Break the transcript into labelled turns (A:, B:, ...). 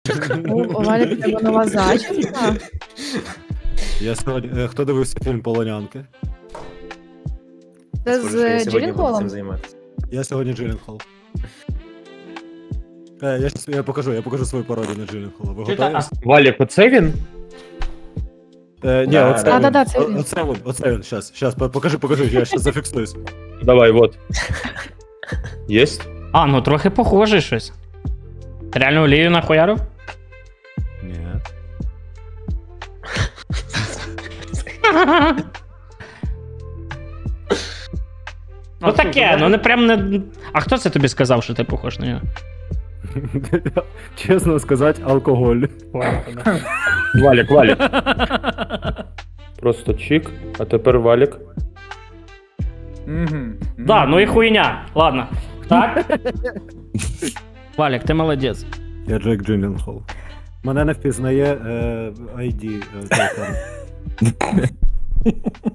A: У Валі в тебе нова зачіска.
B: Я сьогодні... Хто дивився фільм «Полонянки»?
A: Це
C: Схоже, що я
A: з
C: сьогодні буду
A: Джилленхолом?
C: цим займатися.
B: Я сьогодні Джилленхол. Я покажу свою пародію на Джилленхола. Ви готові?
D: Валік, оце він?
B: Ні,
C: Да,
B: оце
C: да,
B: він.
A: да, це він.
B: Оце він, щас, покажи, я щас зафіксуюсь.
D: Давай, вот. Єсть?
E: А, ну трохи похоже щось. Реально олію нахуярив?
B: Ні.
E: Ну таке, ну не прям не. А хто це тобі сказав, що ти похож на нього?
B: Чесно сказати, алкоголь.
D: Валік. Просто чик, а тепер Валік.
E: Да, ну і хуйня. Ладно. Так? Валік, ти молодець.
B: Я Джек Джилленхол. Мене не впізнає ID. телефон.